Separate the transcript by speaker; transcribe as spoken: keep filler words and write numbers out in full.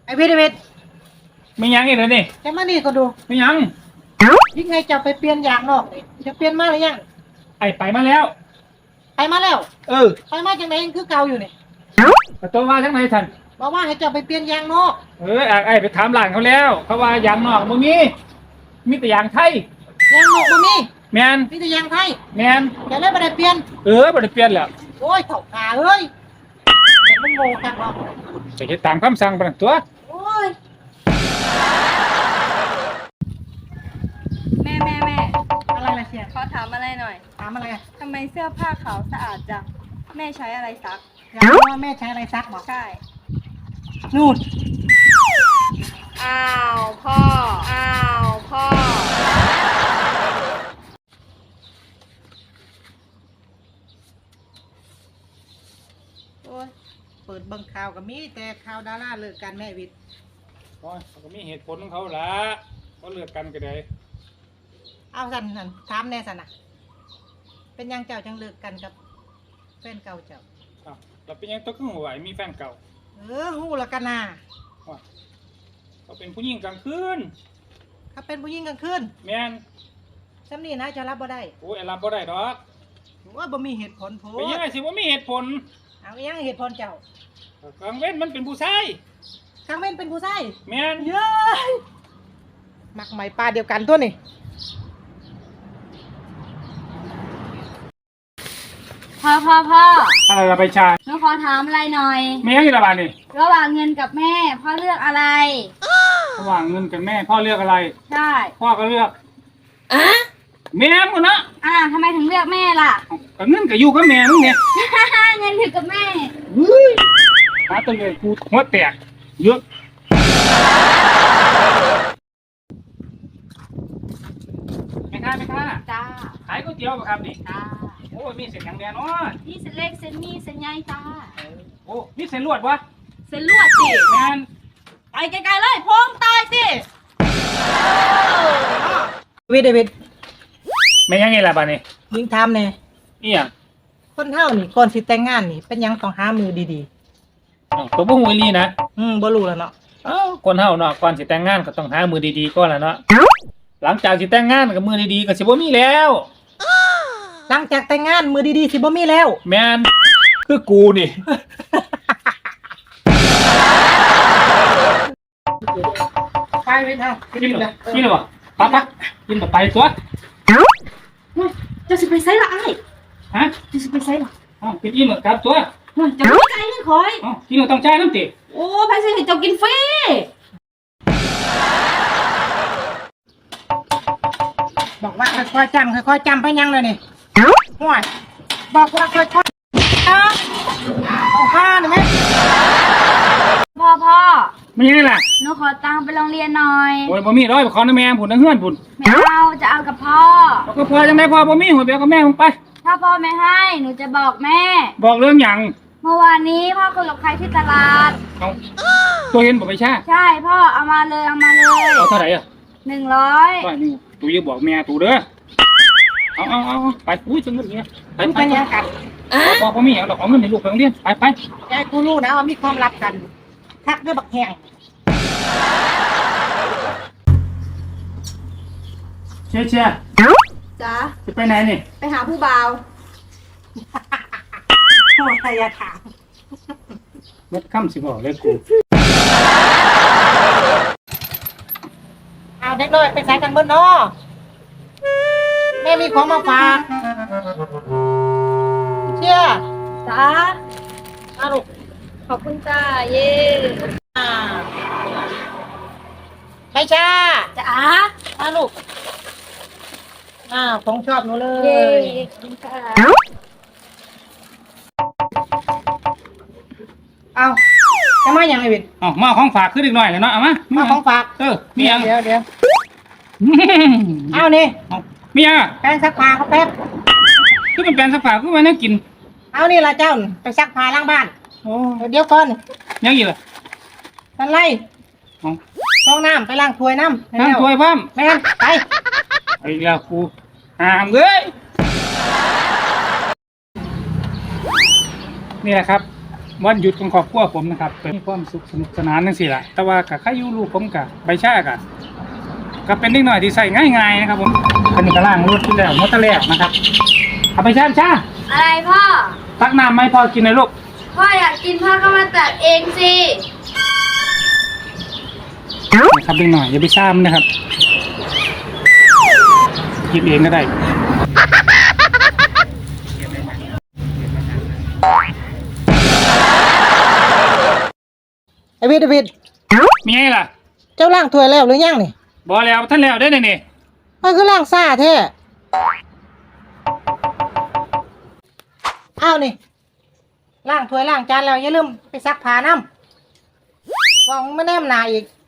Speaker 1: อ้เวทไอ้เวท
Speaker 2: ไม่ยังอีกเลยนี่
Speaker 1: จะมานี่ก็ดู
Speaker 2: ไม่ยัง
Speaker 1: ยิ่งไงจะไปเปลี่ยนยางนอกนี่จะเปลี่ยนมาหรือยัง
Speaker 2: ไอ้ไปมาแล้ว
Speaker 1: ไปมาแล้ว
Speaker 2: เออ
Speaker 1: ไปมาจังไหนคือเก่าอยู่นี่
Speaker 2: ประตูมาทั้งไหนท่าน
Speaker 1: บอกว่าให้เจ้าไปเปลี่ยนยางนอก
Speaker 2: เออไอ้ไปถามหลานเขาแล้วเขาว่ายางนอกมึงมีมีแต่ยางไทย
Speaker 1: ยางนอกบ่มี
Speaker 2: แมน
Speaker 1: มีแต่ยางไทย
Speaker 2: แมน
Speaker 1: จะได้บ่ได้เปลี่ยน
Speaker 2: เออบ่ได้เปลี่ยนแล้ว
Speaker 1: โอ้ยเถ่าขาเอ้ยแต่มันโง่จังเนาะ
Speaker 2: จะเฮ็ดตามคำสั่งปานตัว
Speaker 1: โอ้ย
Speaker 3: แม่แม่แม่
Speaker 1: อะไรล่ะเชีย
Speaker 3: ขอถามอะไรหน่อย
Speaker 1: ถามอะไรอ่ะ
Speaker 3: ทำไมเสื้อผ้าขาวสะอาดจังแม่ใช้อะไรซัก
Speaker 1: อยากรู้ว่าแม่ใช้อะไรซักบอก
Speaker 3: ใช่
Speaker 1: นู่น
Speaker 3: อ้าวพ่ออ้าวพ่อ
Speaker 1: โอ้ยเปิดเบิ่งข่าวก็มีแต่ข่าวดาราเลิกกันแม่วิทย์
Speaker 2: โอ้ยเขาก็มีเหตุผลของเขาล่ะเขาเลิกกันก็ได้
Speaker 1: เอาสันสันถามแน่สันนะเป็นยังเจ้าจังเลิกกันกับแฟนเก่าเจ้า
Speaker 2: อ้าวเราเป็นยังต้องขึ้นหัวไหวมีแฟนเก่า
Speaker 1: เออหูละกันนะ
Speaker 2: เขาเป็นผู้หญิงกลางคืน
Speaker 1: เขาเป็นผู้หญิงกลางคืน
Speaker 2: แมน
Speaker 1: ซ้ำนี่นะจะรับบ่ได้
Speaker 2: โอ้ยรับบ่ได้ดอก
Speaker 1: ว่าบ่มีเหตุผลโพ
Speaker 2: เป็นยังไงสิว่ามีเหตุผล
Speaker 1: เอายังเหตุผลเจ้าก
Speaker 2: ลางเว้นมันเป็นผู้ชาย
Speaker 1: กลางเว้นเป็นผู้ชาย
Speaker 2: แมน
Speaker 1: เย้ยมักไหมปลาเดียวกันตัวนี่
Speaker 3: พ่อพ่อพ่อ
Speaker 2: อะไรละไปชา
Speaker 3: หนูขอถามอะไรหน่อย
Speaker 2: ไม่ยังอีกละบาทนี่
Speaker 3: ระหว่างเงินกับแม่พ่อเลือกอะไร
Speaker 2: ระหว่างเงินกับแม่พ่อเลือกอะไร
Speaker 3: ใช่
Speaker 2: พ่อก็เลือกอะแม่มึงนะ
Speaker 3: อ่าทำไมถึงเลือกแม่ล่ะ
Speaker 2: กับเงินกับอยู่กับแม่มึงเนี่ย
Speaker 3: เงินถือกับแม่
Speaker 2: หาตัวเลยกูหัวแตกเยอะไม่ค่าไม่ค่า
Speaker 3: จ้า
Speaker 2: ขายก๋วยเตี๋ยวป่ะครับนี่
Speaker 3: จ้า
Speaker 2: โอ้มีเส้นอย่างแดงเนาะ
Speaker 3: นี่เส้นเล็กเส้นมีเส้นใหญ่จ้า
Speaker 2: โอ้มีเส้นลวดวะ
Speaker 3: เส้นลวดสิ
Speaker 2: แมน
Speaker 3: ไปไกลๆเลยพงตายสิ
Speaker 1: วิดเดวิด
Speaker 2: ไม่ยังไงล่ะบ้านี่
Speaker 1: ยิงทำเนี่ย
Speaker 2: นี่อ่ะ
Speaker 1: คนเท่านี่ก่อนสิแต่งงานนี่เป็นยังต้องหามือดี
Speaker 2: ๆตัวบุ้งวิลีนะ
Speaker 1: อืมบ่รู้แล้วเนาะ
Speaker 2: เอ้าคนเท่าเนาะก่อนสิแต่งงานก็ต้องหามือดีๆก่อนแหละเนาะหลังจากสิแต่งงานกับมือดีๆก็สิบ่มีแล้ว
Speaker 1: หลังจากแต่งงานมือดีๆสิบ่มีแล้ว
Speaker 2: แมนคือกูนี่
Speaker 1: ไปไปทาง
Speaker 2: กินเหรอกินเหรอปั๊บปั๊บกินแบบไปตัว
Speaker 3: จะสิไปไซละไอ้
Speaker 2: ฮะ
Speaker 3: จะสิไปไซละ
Speaker 2: อ๋อกินอิ่มเหรอครับตัว
Speaker 3: จะไม่ไกลเงินคอย
Speaker 2: อ๋อกินเหรอต้องจ่ายน้ำติ
Speaker 3: โอ้ไปสิให้เจ้ากินฟรี
Speaker 1: บอกว่าค่อยๆจำค่อยๆจำไปยังเลยนี่ห่วยบอกว่าค่อยๆนะเอาผ้าหน่อยไหม
Speaker 3: พ่อพ่อ
Speaker 2: ไม่ยังไงล่ะ
Speaker 3: หนูขอตังค์ไปโรงเรียนหน่อย
Speaker 2: โอ้ยบ่มีร้อยขอน้ำแม่ผุนน้ำเฮือนผุน
Speaker 3: ไม่เอาจะเอากับพ่อ
Speaker 2: ก็พ่อจังได้พ่อบ่มีหัวเบี้ยกับแม่มึงไป
Speaker 3: ถ้าพ่อไม่ให้หนูจะบอกแม่
Speaker 2: บอกเรื่องอย่าง
Speaker 3: เมื่อวานนี้พ่อคุยกับใครที่ตลาด
Speaker 2: เอาตัวเห็นบอกไปใช่
Speaker 3: ใช่พ่อเอามาเลยเอามาเลย
Speaker 2: เอาเท่าไหร่อ่ะ
Speaker 3: หนึ่งร้อย
Speaker 2: ว่านี่ตูอย่าบอกแม่ตูเด้อเอาเอาเอาไปอุ้ยจังเงินเงี้ยไปไปไปกันพ่อพ่อมีอย่างหรอกเอาเงินในลูกไปโรงเรียนไปไป
Speaker 1: ยายกูรู้นะว่ามีความลับกันทักด้วยบักแห้ง
Speaker 2: เชี่ยเชี่ย
Speaker 3: จ้า
Speaker 2: จะไปไหนนี่
Speaker 3: ไปหาผู้บ่าว
Speaker 1: โอ้ยอย่าถาม
Speaker 2: มัดค่ำสิบอกเลยกู
Speaker 1: เอาเด็กน้อยไปใส่กันบนนอแม่มีของมาฝากเชี่ย
Speaker 3: จ้า
Speaker 1: อาลูก
Speaker 3: ขอบคุณจ้าเย่
Speaker 1: ไปจ้า
Speaker 3: จ้า
Speaker 1: อาลูกอ้าวของชอบหนูเลย
Speaker 3: เย่ขอบคุณค่ะ
Speaker 1: เอาจะมาอย่างไรบิด
Speaker 2: อ๋อมาของฝากขึ้นอีกหน่อยเลยเนาะเอามา
Speaker 1: มาของฝาก
Speaker 2: เออมีอย่าง
Speaker 1: เดี๋ยวเดี๋ยวเอานี่
Speaker 2: มีอย่าง
Speaker 1: แปรงซักผ้าเขาแป๊บ
Speaker 2: คือเป็นแปรงซักผ้าคือมันน่ากิน
Speaker 1: เอานี่ละเจ้าไปซักผ้าล้างบ้าน
Speaker 2: โอ้
Speaker 1: เดี๋ยวก่อน
Speaker 2: ยังอีกเหรอ
Speaker 1: ทันไรห้องน้ำไปล้างถ้วยน้ำ
Speaker 2: ล้างถ้วยพ่อม
Speaker 1: แม่ไป
Speaker 2: ไอ้ยาคูหามเลยนี่แหละครับวันหยุดของครอบครัวผมนะครับเป็นความสุขสนุกสนานนั่นสิล่ะแต่ว่ากับข้ายุลูกผมกับใบชากะก็เป็นนิดหน่อยที่ใส่ง่ายๆนะครับผมคันนี้ก็ล่างรถที่แล้วมอเตอร์แล้วนะครับเอาไปชาชา
Speaker 3: อะไรพ่อ
Speaker 2: ตักน้ำไหมพอกินเลยลูก
Speaker 3: พ่ออยากกินพ่อก็มาตักเองสิ
Speaker 2: นะครับนิดหน่อยอย่าไปซ้ำนะครับกินเองก็ได้
Speaker 1: ไอวิดไอวิด
Speaker 2: มีไงล่ะ
Speaker 1: เจ้าล่างถ้วยแล้วหรือยังนี่
Speaker 2: บอแล้วท่านแล้วได้เนี่ยนี่
Speaker 1: มันคือล่างซ่าแท้อ้าวนี่ล่างถ้วยล่างจานแล้วอย่าลืมไปซักผ้าน้ำวางไม่แนมหนาอีก